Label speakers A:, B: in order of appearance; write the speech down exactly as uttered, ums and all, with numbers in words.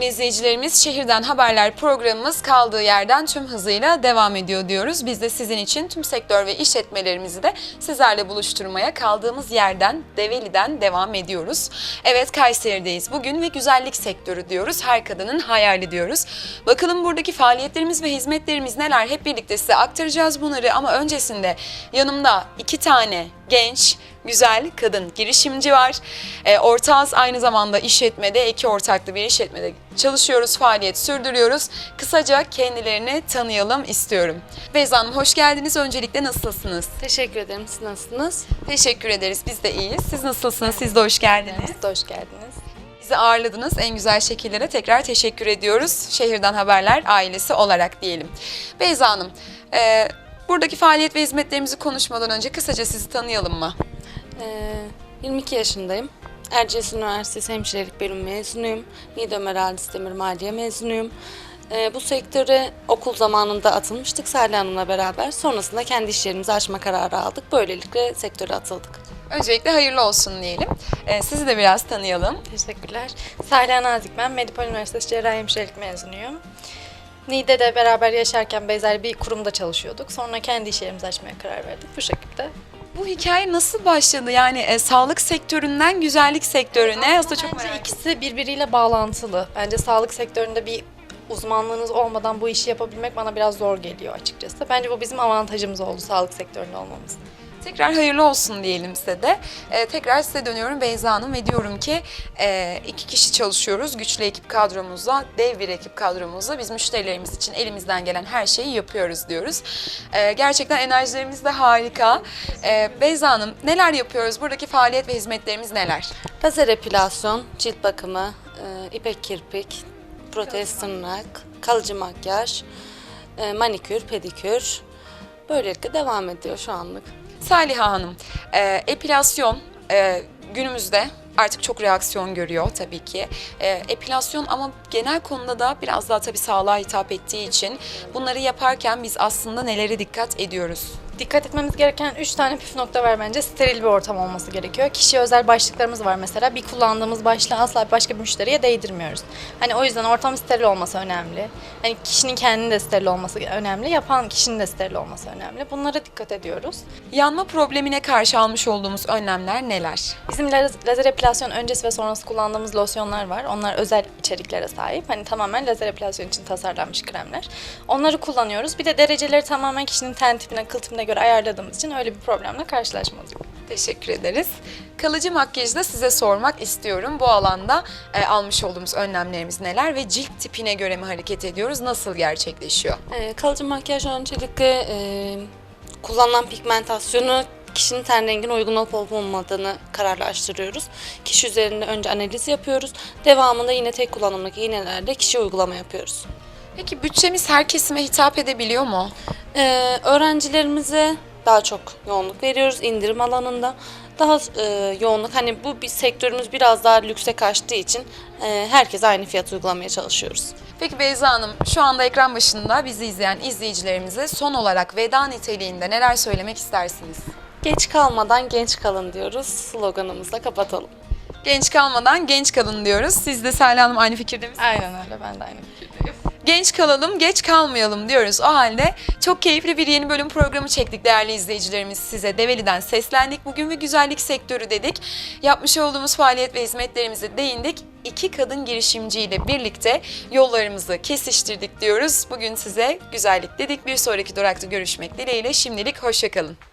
A: izleyicilerimiz, Şehirden Haberler programımız kaldığı yerden tüm hızıyla devam ediyor diyoruz. Biz de sizin için tüm sektör ve işletmelerimizi de sizlerle buluşturmaya kaldığımız yerden, Develi'den devam ediyoruz. Evet, Kayseri'deyiz bugün ve güzellik sektörü diyoruz. Her kadının hayali diyoruz. Bakalım buradaki faaliyetlerimiz ve hizmetlerimiz neler? Hep birlikte size aktaracağız bunları ama öncesinde yanımda iki tane genç, güzel kadın girişimci var. E, ortağız, aynı zamanda işletmede, iki ortaklı bir işletmede çalışıyoruz, faaliyet sürdürüyoruz. Kısaca kendilerini tanıyalım istiyorum. Beyza Hanım, hoş geldiniz. Öncelikle nasılsınız?
B: Teşekkür ederim. Siz nasılsınız?
A: Teşekkür ederiz. Biz de iyiyiz. Siz nasılsınız? Siz de hoş geldiniz.
B: Siz de hoş geldiniz.
A: Bizi ağırladınız. En güzel şekillere tekrar teşekkür ediyoruz. Şehirden Haberler ailesi olarak diyelim. Beyza Hanım, e, buradaki faaliyet ve hizmetlerimizi konuşmadan önce kısaca sizi tanıyalım mı?
B: Ee, yirmi iki yaşındayım. Erciyes Üniversitesi Hemşirelik Bölümü mezunuyum. Niğde Ömer Halis Demir Maliye mezunuyum. Ee, bu sektöre okul zamanında atılmıştık Salih Hanım'la beraber. Sonrasında kendi iş yerimizi açma kararı aldık. Böylelikle sektöre atıldık.
A: Öncelikle hayırlı olsun diyelim. Ee, sizi de biraz tanıyalım.
C: Teşekkürler. Salih Nazik ben. Medipol Üniversitesi Cerrahi Hemşirelik mezunuyum. Niğde'de beraber yaşarken benzer bir kurumda çalışıyorduk. Sonra kendi iş yerimizi açmaya karar verdik. Bu şekilde.
A: Bu hikaye nasıl başladı? Yani e, sağlık sektöründen güzellik sektörüne aslında çok
C: Bence
A: merak
C: ikisi birbiriyle bağlantılı. Bence sağlık sektöründe bir uzmanlığınız olmadan bu işi yapabilmek bana biraz zor geliyor açıkçası. Bence bu bizim avantajımız oldu sağlık sektöründe olmamız.
A: Tekrar hayırlı olsun diyelim size de. Ee, tekrar size dönüyorum Beyza Hanım ve diyorum ki e, iki kişi çalışıyoruz. Güçlü ekip kadromuzla, dev bir ekip kadromuzla biz müşterilerimiz için elimizden gelen her şeyi yapıyoruz diyoruz. Ee, gerçekten enerjilerimiz de harika. Ee, Beyza Hanım, neler yapıyoruz? Buradaki faaliyet ve hizmetlerimiz neler?
B: Lazer epilasyon, cilt bakımı, e, ipek kirpik, protez tırnak, kalıcı makyaj, e, manikür, pedikür. Böylelikle devam ediyor şu anlık.
A: Saliha Hanım, e, epilasyon e, günümüzde artık çok reaksiyon görüyor tabii ki. E, epilasyon ama genel konuda da biraz daha tabii sağlığa hitap ettiği için bunları yaparken biz aslında nelere dikkat ediyoruz?
C: Dikkat etmemiz gereken üç tane püf nokta var bence. Steril bir ortam olması gerekiyor. Kişiye özel başlıklarımız var mesela. Bir kullandığımız başlığı asla başka bir müşteriye değdirmiyoruz. Hani o yüzden ortam steril olması önemli. Hani kişinin kendinin de steril olması önemli. Yapan kişinin de steril olması önemli. Bunlara dikkat ediyoruz.
A: Yanma problemine karşı almış olduğumuz önlemler neler?
C: Bizim laz- lazer epilasyon öncesi ve sonrası kullandığımız losyonlar var. Onlar özel içeriklere sahip. Hani tamamen lazer epilasyon için tasarlanmış kremler. Onları kullanıyoruz. Bir de dereceleri tamamen kişinin ten tipine, kıl tipine göre ayarladığımız için öyle bir problemle karşılaşmadık.
A: Teşekkür ederiz. Kalıcı makyajı da size sormak istiyorum. Bu alanda e, almış olduğumuz önlemlerimiz neler ve cilt tipine göre mi hareket ediyoruz? Nasıl gerçekleşiyor?
B: E, kalıcı makyaj öncelikle e, kullanılan pigmentasyonu kişinin ten rengine uygun olup olup olmadığını kararlaştırıyoruz. Kişi üzerinde önce analiz yapıyoruz. Devamında yine tek kullanımlık iğnelerle kişiye uygulama yapıyoruz.
A: Peki bütçemiz her kesime hitap edebiliyor mu?
B: Ee, öğrencilerimize daha çok yoğunluk veriyoruz indirim alanında. Daha e, yoğunluk, hani bu bir sektörümüz biraz daha lükse kaçtığı için e, herkese aynı fiyat uygulamaya çalışıyoruz.
A: Peki Beyza Hanım, şu anda ekran başında bizi izleyen izleyicilerimize son olarak veda niteliğinde neler söylemek istersiniz?
B: Geç kalmadan genç kalın diyoruz. Sloganımızla kapatalım.
A: Genç kalmadan genç kalın diyoruz. Siz de Salih Hanım aynı fikirde misiniz?
C: Aynen öyle. Ben de aynı fikirdeyim.
A: Genç kalalım, geç kalmayalım diyoruz. O halde çok keyifli bir yeni bölüm programı çektik değerli izleyicilerimiz. Size Develi'den seslendik. Bugün ve güzellik sektörü dedik. Yapmış olduğumuz faaliyet ve hizmetlerimize değindik. İki kadın girişimciyle birlikte yollarımızı kesiştirdik diyoruz. Bugün size güzellik dedik. Bir sonraki durakta görüşmek dileğiyle. Şimdilik hoşça kalın.